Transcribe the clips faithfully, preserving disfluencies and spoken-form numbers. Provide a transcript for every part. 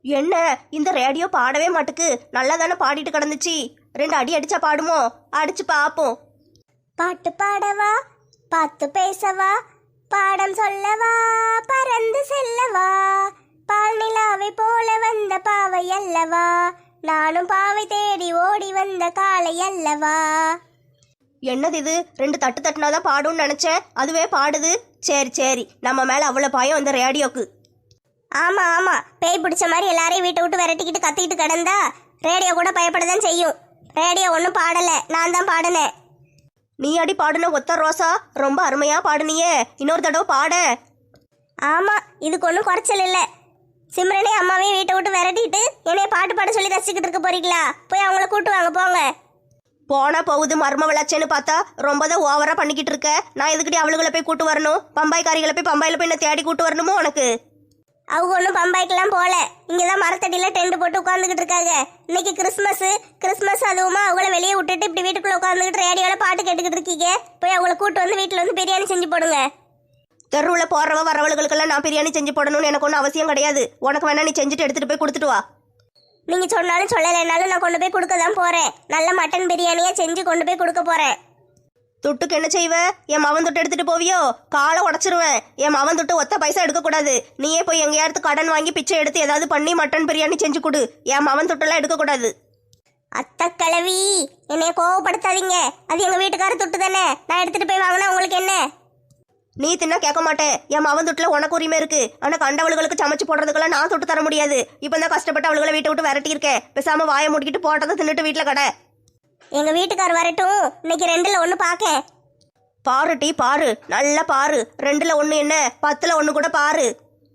என்ன இந்த ரேடியோ பாடவே மாட்டுக்கு, நல்லா தானே பாடிட்டு கிடந்துச்சு. ரெண்டு அடி அடிச்சா பாடுமோ? அடிச்சு பாப்போம். பாட்டு பாடவா, பாத்து பேசவா, பாடம் சொல்லவா, பறந்து செல்லவா, பால் நிலாவை போல வந்த பாவை அல்லவா, நானும் பாவை தேடி ஓடி வந்த காளை அல்லவா. என்னது இது? ரெண்டு தட்டு தட்டுனாதான் பாடும்னு நினைச்சேன், அதுவே பாடுது. சரி சரி, நம்ம மேல அவ்வளவு பயம் இந்த ரேடியோக்கு. ஆமா ஆமா, பேய் பிடிச்ச மாதிரி எல்லாரையும் வீட்டை விட்டு விரட்டிக்கிட்டு கத்திக்கிட்டு கிடந்தா ரேடியோ கூட பயப்படதான் செய்யும். ரேடியோ ஒன்றும் பாடல, நான் தான் பாடினேன். நீ அடி பாடுன ஒத்த ரோசா, ரொம்ப அருமையா பாடுனியே, இன்னொரு தடவை பாட. ஆமா, இதுக்கு ஒன்றும் குறைச்சல் இல்லை. சிம்ரனே அம்மாவையும் வீட்டை விட்டு விரட்டிட்டு என்னைய பாட்டு பாட சொல்லி ரசிச்சுக்கிட்டு இருக்க போறீங்களா? போய் அவங்கள கூட்டு வாங்க போங்க. போனா போகுது மர்ம விளாச்சேன்னு பார்த்தா ரொம்ப தான் ஓவரா பண்ணிக்கிட்டு இருக்க. நான் எதுக்கிட்டே அவளுகளை போய் கூட்டு வரணும்? பம்பாய்க்காரிகளை போய் பம்பாயில போய் என்ன தேடி கூட்டு வரணுமோ உனக்கு? அவங்க ஒன்றும் பம்பாய்க்கெல்லாம் போல, இங்கதான் மரத்தடியில டென்ட் போட்டு உட்காந்துக்கிட்டு இருக்காங்க. இன்னைக்கு கிறிஸ்மஸ் கிறிஸ்மஸ் அதுவுமா அவங்கள வெளியே விட்டுட்டு இப்படி வீட்டுக்குள்ள உட்காந்துக்கிட்டு ரேடியோல பாட்டு கேட்டுக்கிட்டு இருக்கீங்க. போய் அவங்கள கூட்டு வந்து வீட்டுல வந்து பிரியாணி செஞ்சு போடுங்க. தெருவில் போறவ வரவளுகளுக்கெல்லாம் நான் பிரியாணி செஞ்சு போடணும்னு எனக்கு ஒன்றும் அவசியம் கிடையாது. உனக்கு வேணா நீ செஞ்சுட்டு எடுத்துட்டு போய் கொடுத்துட்டு வா. நீங்க சொன்னாலும் சொல்லலைன்னாலும் நான் கொண்டு போய் கொடுக்க தான் போறேன். நல்ல மட்டன் பிரியாணியா செஞ்சு கொண்டு போய் கொடுக்க போறேன். துட்டுக்கு என்ன செய்வ? என் மவன் துட்டு எடுத்துட்டு போவியோ? காலை உடச்சிருவேன். என் மவன் துட்டு ஒத்த பைசா எடுக்கக்கூடாது. நீயே போய் எங்கேயாவது கடன் வாங்கி பிச்சை எடுத்து ஏதாவது பண்ணி மட்டன் பிரியாணி செஞ்சு கொடு. என் மவன் துட்டெல்லாம் எடுக்கக்கூடாது. அத்த கிழவி, என்னைய கோவப்படுத்தாதீங்க. அது எங்க வீட்டுக்கார துட்டு தானே, நான் எடுத்துட்டு போய் வாங்கினா உங்களுக்கு என்ன? நீ தின்னா கேட்க மாட்டேன். என் மவன் துட்டுல உனக்கு உரிமை இருக்கு. ஆனா கண்டவளுகளுக்கு சமைச்சு போடுறதுக்கெல்லாம் நான் தொட்டு தர முடியாது. இப்போ தான் கஷ்டப்பட்டு அவளுகளை வீட்டை விட்டு விரட்டி இருக்கேன். பேசாம வாயை முடிக்கிட்டு போட்டதை தின்னுட்டு வீட்டுல கடை. எங்க வீட்டுக்கார் வரட்டும், இன்னைக்கு ரெண்டுல ஒண்ணு பாக்க. பாரு டீ பாரு, நல்லா பாரு. ரெண்டுல ஒண்ணு என்ன, பத்துல ஒண்ணு கூட பாரு.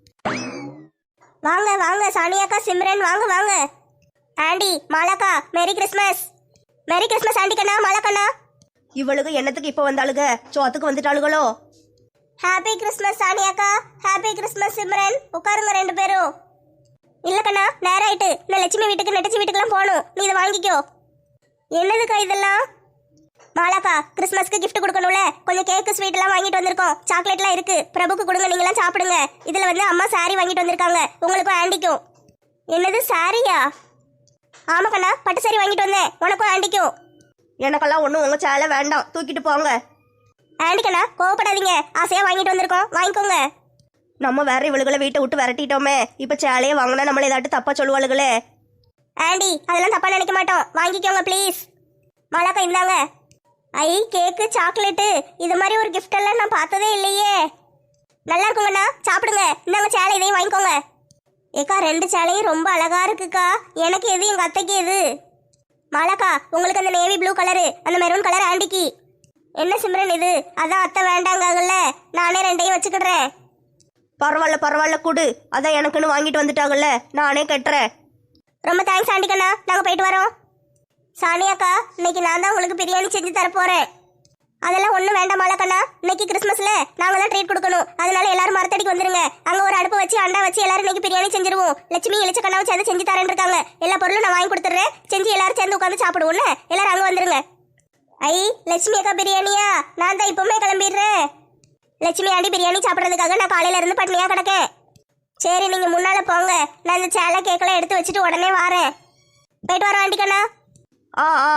வாங்க வாங்க சானியாக்கா, சிம்ரன் வாங்க வாங்க. ஆண்டி மாலாக்கா, merry christmas. Merry christmas aunty கண்ணா, மாலாக்கண்ணா. இவளுக்கு என்னத்துக்கு இப்ப வந்தாளுக? சோத்துக்கு வந்துட்டாளுகளோ? ஹாப்பி கிறிஸ்மஸ் சானியாக்கா, ஹாப்பி கிறிஸ்மஸ் சிம்ரன். உட்காருங்க ரெண்டு பேரும். இல்ல கண்ணா, நேரம் ஆயிட்டு. நான் லட்சுமி வீட்டுக்கு நெட்டச்சி வீட்டுக்குலாம் போகணும். நீ இதை வாங்கிக்கோ. என்னதுக்கா இதெல்லாம்? மாலாக்கா, கிறிஸ்மஸ்க்கு கிஃப்ட் கொடுக்கணும்ல, கொஞ்சம் கேக்கு ஸ்வீட் எல்லாம் வாங்கிட்டு வந்திருக்கோம். சாக்லேட்லாம் இருக்கு, பிரபுக்கு கொடுங்க, நீங்க எல்லாம் சாப்பிடுங்க. இதுல வந்து அம்மா சாரி வாங்கிட்டு வந்திருக்காங்க, உங்களுக்கும் ஆண்டிக்கும். என்னது சாரியா? ஆமா கண்ணா, பட்டு சாரி வாங்கிட்டு வந்தேன், உனக்கும் ஆண்டிக்கும். எனக்கெல்லாம் ஒன்றும் உங்க சேலை வேண்டாம், தூக்கிட்டு போங்க. ஆண்டி கண்ணா கோவப்படாதீங்க, ஆசையா வாங்கிட்டு வந்திருக்கோம், வாங்கிக்கோங்க. நம்ம வேற இவளுகளை வீட்டை விட்டு விரட்டிட்டோமே, இப்ப சேலையே வாங்கினா நம்மள ஏதாட்டு தப்பா சொல்லுவாளுகளே. ஆண்டி அதெல்லாம் தப்பா நினைக்க மாட்டோம், வாங்கிக்கோங்க ப்ளீஸ். மாலாக்கா இந்தாங்க. ஐ கேக்கு சாக்லேட்டு, இது மாதிரி ஒரு கிஃப்ட் எல்லாம் நான் பார்த்ததே இல்லையே. நல்லா இருக்குங்கண்ணா, சாப்பிடுங்க. இந்தாங்க சேலை, இதையும் வாங்கிக்கோங்க. ஏக்கா ரெண்டு சேலையும் ரொம்ப அழகா இருக்குக்கா. எனக்கு எது, எங்க அத்தைக்கு எது? மாலாக்கா உங்களுக்கு அந்த நேவி ப்ளூ கலரு, அந்த மெரூன் கலர் ஆண்டிக்கு. என்ன சிம்ரன் இது? அதான் அத்தை வேண்டாங்கல்ல, நானே ரெண்டையும் வச்சுக்கிடுறேன். பரவாயில்ல பரவாயில்ல கூடு, அதான் எனக்குன்னு வாங்கிட்டு வந்துட்டாங்கல்ல, நானே கட்டுறேன். ரொம்ப தேங்க்ஸ் ஆண்டிக்கண்ணா, நாங்கள் போயிட்டு வரோம். சானியாக்கா, இன்னைக்கு நான் தான் உங்களுக்கு பிரியாணி செஞ்சு தரப்போறேன். அதெல்லாம் ஒன்றும் வேண்டாம் மாலாக்கண்ணா, இன்னைக்கு கிறிஸ்மஸ்ல நாங்கள் தான் ட்ரீட் கொடுக்கணும். அதனால எல்லாரும் மரத்தடிக்கு வந்துருங்க. அங்கே ஒரு அடுப்பு வச்சு அண்டா வச்சு எல்லாரும் இன்னைக்கு பிரியாணி செஞ்சிருவோம். லட்சுமி இளிச்சக்கண்ணாவை சேர்ந்து செஞ்சு தரேன் இருக்காங்க. எல்லா பொருளும் நான் வாங்கி கொடுத்துட்றேன், செஞ்சு எல்லாரும் சேர்ந்து உட்காந்து சாப்பிடுவோம்ல. எல்லாரும் அங்கே வந்துருங்க. ஐ லட்சுமி அக்கா பிரியாணியா? நான் தான் இப்பவுமே கிளம்பிடுறேன். லட்சுமி ஆண்டி பிரியாணி சாப்பிட்றதுக்காக நான் காலையில இருந்து பட்னியா கிடக்கேன். சரி நீங்க முன்னால போங்க, நான் இந்த சேலை கேக்கெல்லாம் எடுத்து வச்சுட்டு உடனே வரேன். போயிட்டு வரோம் ஆண்டிக்கண்ணா. ஆ ஆ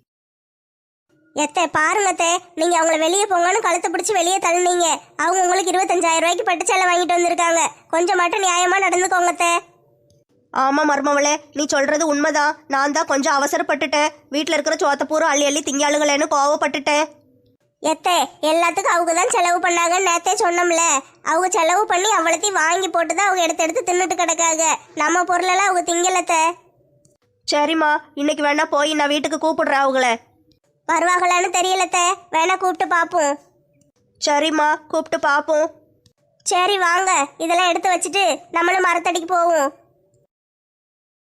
எத்தே பாருங்க அத்தை, நீங்க அவங்கள வெளியே போங்கன்னு கழுத்தை பிடிச்சி வெளியே தள்ளுனீங்க. அவங்க உங்களுக்கு இருபத்தஞ்சாயிரம் ரூபாய்க்கு பட்டு சேலை வாங்கிட்டு வந்திருக்காங்க. கொஞ்சம் மட்டும் நியாயமா நடந்துக்கோங்க அத்தை. ஆமா மருமவளே, நீ சொல்றது உண்மைதான். நான் தான் கொஞ்சம் அவசரப்பட்டுட்டேன். வீட்டுல இருக்கிற சோத்தப்பூரம் அள்ளி அள்ளி திங்காளுகளேன்னு கோவப்பட்டுட்டேன். எத்தே எல்லாத்துக்கும் அவங்க தான் செலவு பண்ணாங்கன்னு நேத்தே சொன்னோம்ல. அவங்க செலவு பண்ணி அவ்வளோத்தையும் வாங்கி போட்டு தான் அவங்க எடுத்து எடுத்து தின்னுட்டு கிடக்காங்க. நம்ம பொருளெல்லாம் அவங்க திங்கலத்த. சரிம்மா, இன்னைக்கு வேணா போய் நான் வீட்டுக்கு கூப்பிடுறேன் அவங்கள. வருவாங்களான்னு தெரியலத்த, வேணா கூப்பிட்டு பார்ப்போம். சரிம்மா, கூப்பிட்டு பார்ப்போம். சரி வாங்க, இதெல்லாம் எடுத்து வச்சுட்டு நம்மளும் மரத்தடிக்கு போவோம்.